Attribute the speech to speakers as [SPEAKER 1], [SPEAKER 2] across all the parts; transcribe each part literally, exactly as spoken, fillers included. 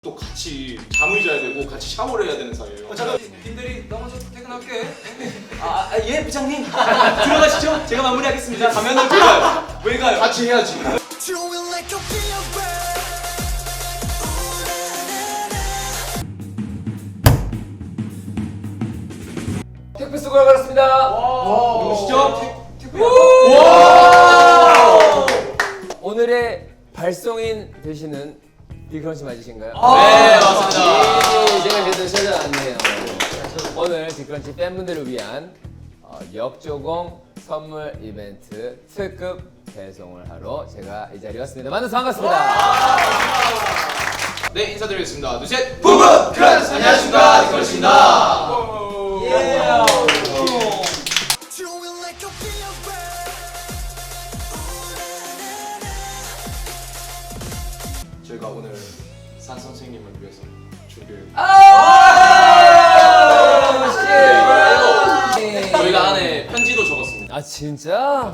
[SPEAKER 1] 또 같이 잠을 자야 되고 같이 샤워를 해야 되는 사이예요.
[SPEAKER 2] 어, 잠깐 김대리 나 먼저 퇴근할게.
[SPEAKER 3] 아, 아, 예 부장님 들어가시죠. 제가 마무리하겠습니다. 가면은 왜 가요? 왜 가요?
[SPEAKER 1] 같이 해야지.
[SPEAKER 4] 택배 수고가 걸었습니다.
[SPEAKER 3] 누구시죠?
[SPEAKER 4] 와! 오늘의 발송인 되시는 디크런치 맞으신가요?
[SPEAKER 3] 네, 맞습니다.
[SPEAKER 4] 예, 제가 그래도 찾아왔네요. 오늘 디크런치 팬분들을 위한 어, 역조공 선물 이벤트 특급 배송을 하러 제가 이 자리에 왔습니다. 만나서 반갑습니다.
[SPEAKER 1] 네, 인사드리겠습니다. 둘, 셋.
[SPEAKER 3] 부부 크런치 안녕하십니까 디크런치입니다. 예.
[SPEAKER 1] 저희가 오늘 산 선생님을 위해서 준비를.
[SPEAKER 4] 아! 씨.
[SPEAKER 1] 저희가 안에 편지도 적었습니다.
[SPEAKER 4] 아 진짜?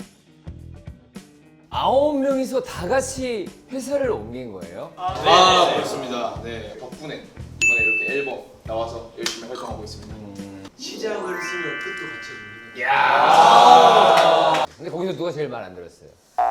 [SPEAKER 4] 아홉 명이서 다 같이 회사를 옮긴 거예요?
[SPEAKER 1] 아, 그렇습니다. 네, 덕분에 이번에 이렇게 앨범 나와서 열심히 활동하고 있습니다.
[SPEAKER 2] 시작을 쓰면 끝도 같이 해줍니다.
[SPEAKER 4] 야. 근데 거기서 누가 제일 말 안 들었어요?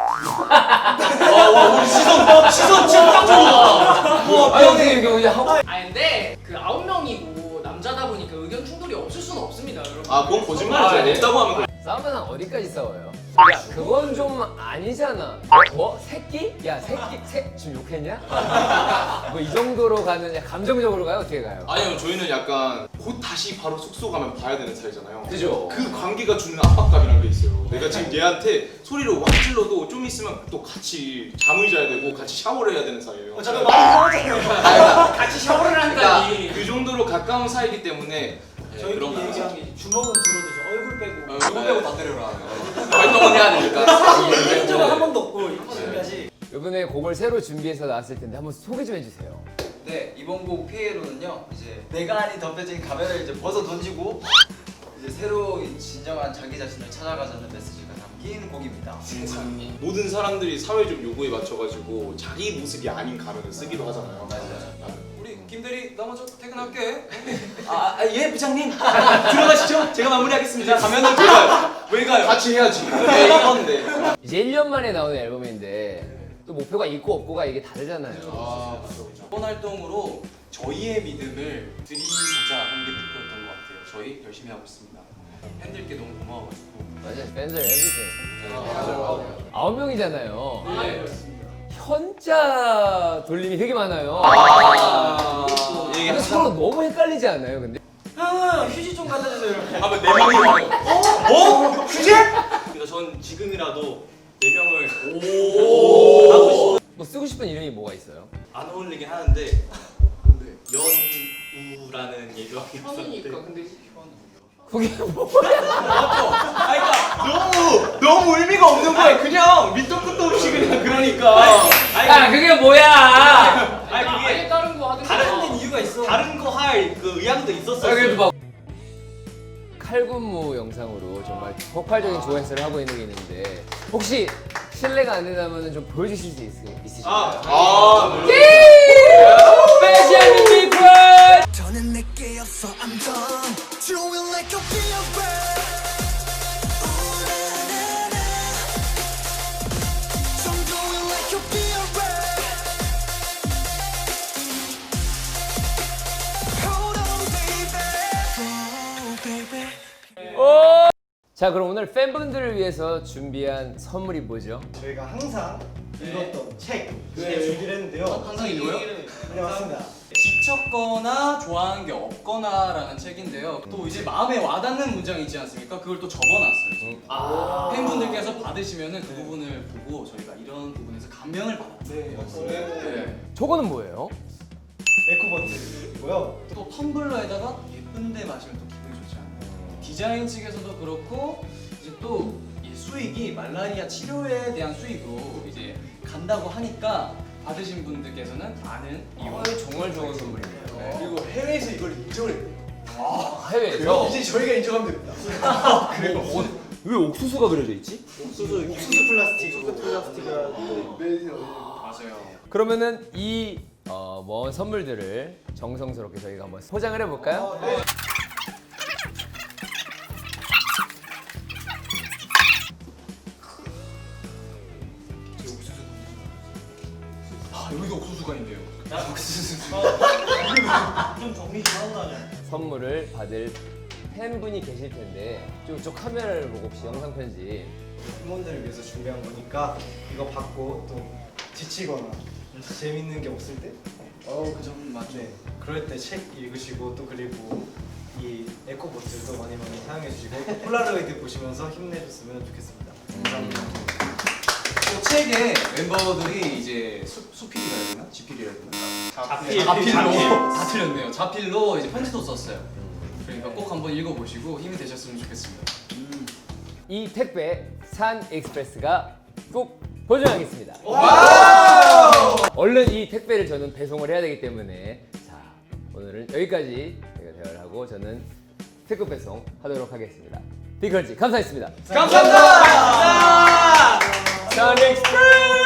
[SPEAKER 3] 와, 와, 우리 시선 시선 지금 딱 좋아. 와,
[SPEAKER 4] 아 형님 이거 그냥 하고.
[SPEAKER 5] 아 근데 그 아홉 명이고 남자다 보니까 의견 충돌이 없을 수는 없습니다, 여러분.
[SPEAKER 1] 아, 그건 거짓말이죠.
[SPEAKER 4] 아, 네.
[SPEAKER 1] 없다고 하면 그-
[SPEAKER 4] 싸우면 한 어디까지 싸워요? 야 그건 좀 아니잖아. 뭐? 새끼? 야 새끼 새 지금 욕했냐? 뭐 이 정도로 가는 감정적으로 가요? 어떻게 가요?
[SPEAKER 1] 아니요, 저희는 약간 곧 다시 바로 숙소 가면 봐야 되는 사이잖아요.
[SPEAKER 4] 그죠?
[SPEAKER 1] 그 관계가 주는 압박감이라는 게 있어요. 내가 지금 얘한테 소리를 확 질러도 좀 있으면 또 같이 잠을 자야 되고 같이 샤워를 해야 되는 사이예요.
[SPEAKER 2] 어, 잠깐 많이 이상하잖아요.
[SPEAKER 5] 같이 샤워를
[SPEAKER 1] 그러니까
[SPEAKER 5] 한다니.
[SPEAKER 1] 그 정도로 가까운 사이기 때문에 네,
[SPEAKER 2] 저희끼리
[SPEAKER 1] 그런 거
[SPEAKER 2] 얘기한 게 주먹은 들어도 저 얼굴 빼고
[SPEAKER 1] 어,
[SPEAKER 2] 얼굴
[SPEAKER 1] 네.
[SPEAKER 2] 빼고 다 때려라.
[SPEAKER 1] 활동을 해야 되니까.
[SPEAKER 2] 사실 얘기한 적은 한 번도 없고 이거 준비하지.
[SPEAKER 4] 이번에 곡을 새로 준비해서 나왔을 텐데 한번 소개 좀 해주세요.
[SPEAKER 6] 네, 이번 곡 피에로는요 이제 내가 아닌 덤벼진 가면을 이제 벗어 던지고 이제 새로 이 진정한 자기 자신을 찾아가자는 메시지가 담긴 곡입니다.
[SPEAKER 1] 모든 사람들이 사회적 요구에 맞춰가지고 자기 모습이 아닌 가면을 쓰기로 하잖아요.
[SPEAKER 6] 맞아요.
[SPEAKER 2] 우리 김대리 나 먼저 퇴근할게.
[SPEAKER 3] 아, 아, 예 부장님 들어가시죠. 제가 마무리하겠습니다. 가면은 왜 가요? 왜 가요?
[SPEAKER 1] 같이 해야지. 네, 이건데.
[SPEAKER 4] 이제 일 년 만에 나오는 앨범인데 또 목표가 있고 없고가 이게 다르잖아요.
[SPEAKER 1] 아, 그렇죠, 그렇죠.
[SPEAKER 7] 이번 활동으로 저희의 믿음을 드리고자 하는 게 목표였던 것 같아요. 저희 열심히 하고 있습니다. 팬들께 너무 고마워가지고
[SPEAKER 4] 맞아요. 팬들 에브리띵. 아홉 명이잖아요.
[SPEAKER 5] 네, 그렇습니다.
[SPEAKER 4] 현자 돌림이 되게 많아요.
[SPEAKER 1] 아,
[SPEAKER 4] 이게 서로 너무 헷갈리지 않아요? 근데
[SPEAKER 2] 형 휴지 좀 갖다 주세요. 이렇게.
[SPEAKER 1] 하면 네 명이 와요.
[SPEAKER 7] 뭐? 휴지? 그러니까 전 지금이라도 네 명을 하고 싶어.
[SPEAKER 4] 뭐 쓰고 싶은 이름이 뭐가 있어요?
[SPEAKER 7] 안 어울리긴 하는데 연우라는 얘기가
[SPEAKER 5] 현우니까 근데
[SPEAKER 4] 그게 뭐야?
[SPEAKER 3] 너무 너무 의미가 없는 거야. 그냥 밑도 끝도 없이 그냥 그러니까.
[SPEAKER 4] 야 그게 뭐야?
[SPEAKER 7] 아니
[SPEAKER 5] 아니
[SPEAKER 7] 그게
[SPEAKER 5] 다른 거 하든
[SPEAKER 2] 다른 이유가 있어.
[SPEAKER 7] 다른 거 할 그 의향도 있었어요.
[SPEAKER 4] 아, 그래도 막 칼군무 영상으로 정말 폭발적인 조회수를 하고 있는 게 있는데 혹시 실례가 안 된다면 좀 보여주실 수 있, 있으신가요?
[SPEAKER 1] 아, 물론.
[SPEAKER 4] 스페셜 미니콘!
[SPEAKER 8] 더는 내게 없어 I'm done Throwing like a beer I'm going like a beer Hold on baby Oh baby
[SPEAKER 4] 자 그럼 오늘 팬분들을 위해서 준비한 선물이 뭐죠?
[SPEAKER 2] 저희가 항상 읽었던 책 네. 준비를 했는데요.
[SPEAKER 7] 항상 읽어요?
[SPEAKER 2] 네 맞습니다.
[SPEAKER 7] 지쳤거나 좋아하는 게 없거나라는 책인데요. 또 이제 마음에 와닿는 문장이 있지 않습니까? 그걸 또 적어놨어요. 저희가.
[SPEAKER 2] 아.
[SPEAKER 7] 팬분들께서 받으시면은 그 부분을 보고 저희가 이런 부분에서 감명을 받았어요.
[SPEAKER 2] 네 맞습니다.
[SPEAKER 7] 네.
[SPEAKER 4] 저거는 뭐예요?
[SPEAKER 2] 에코버튼이고요.
[SPEAKER 7] 또 텀블러에다가 예쁜데 마시면 또 기분이 좋지 않나요? 디자인 측에서도 그렇고 이제 또 이 수익이 말라리아 치료에 대한 수익으로 이제 간다고 하니까 받으신 분들께서는 많은 이용.
[SPEAKER 4] 어, 정말 좋은 선물이네요.
[SPEAKER 7] 네.
[SPEAKER 2] 그리고 해외에서 이걸 인정을 했대요.
[SPEAKER 4] 아, 해외에서?
[SPEAKER 2] 이제 저희가 인정하면 됩니다.
[SPEAKER 4] 그래요? 왜 옥수수가 그려져 있지?
[SPEAKER 2] 옥수수 옥수수 플라스틱. 옥수수 플라스틱이
[SPEAKER 7] 맞아요.
[SPEAKER 4] 그러면은 이 어, 모은 선물들을 정성스럽게 저희가 한번 포장을 해볼까요?
[SPEAKER 2] 네.
[SPEAKER 7] 아 여기도 옥수수가 있네요.
[SPEAKER 2] 좀 정리 좀 하고 다녀.
[SPEAKER 4] 선물을 받을 팬분이 계실 텐데 좀, 좀 카메라를 보고 혹시 영상 편지
[SPEAKER 2] 팀원들을 위해서 준비한 거니까 이거 받고 또 지치거나 재밌는 게 없을 때
[SPEAKER 7] 어우 그 점 맞죠.
[SPEAKER 2] 네, 그럴 때 책 읽으시고 또 그리고 이 에코보틀도 많이 많이 사용해 주시고 또 폴라로이드 보시면서 힘내줬으면 좋겠습니다. 감사합니다.
[SPEAKER 7] 또 책에 멤버들이 이제 수, 수필이라 해야 되나? 지필이라 해야 되나?
[SPEAKER 2] 자필.
[SPEAKER 7] 자필로 다 틀렸네요. 자필로 이제 편지도 썼어요. 그러니까 꼭 한번 읽어보시고 힘이 되셨으면 좋겠습니다.
[SPEAKER 4] 이 택배 산 익스프레스가 꼭 보증하겠습니다. 얼른 이 택배를 저는 배송을 해야 되기 때문에 자 오늘은 여기까지 저희가 대화를 하고 저는 특급 배송 하도록 하겠습니다. 빅크런치 감사했습니다.
[SPEAKER 3] 감사합니다. 산 익스프레스.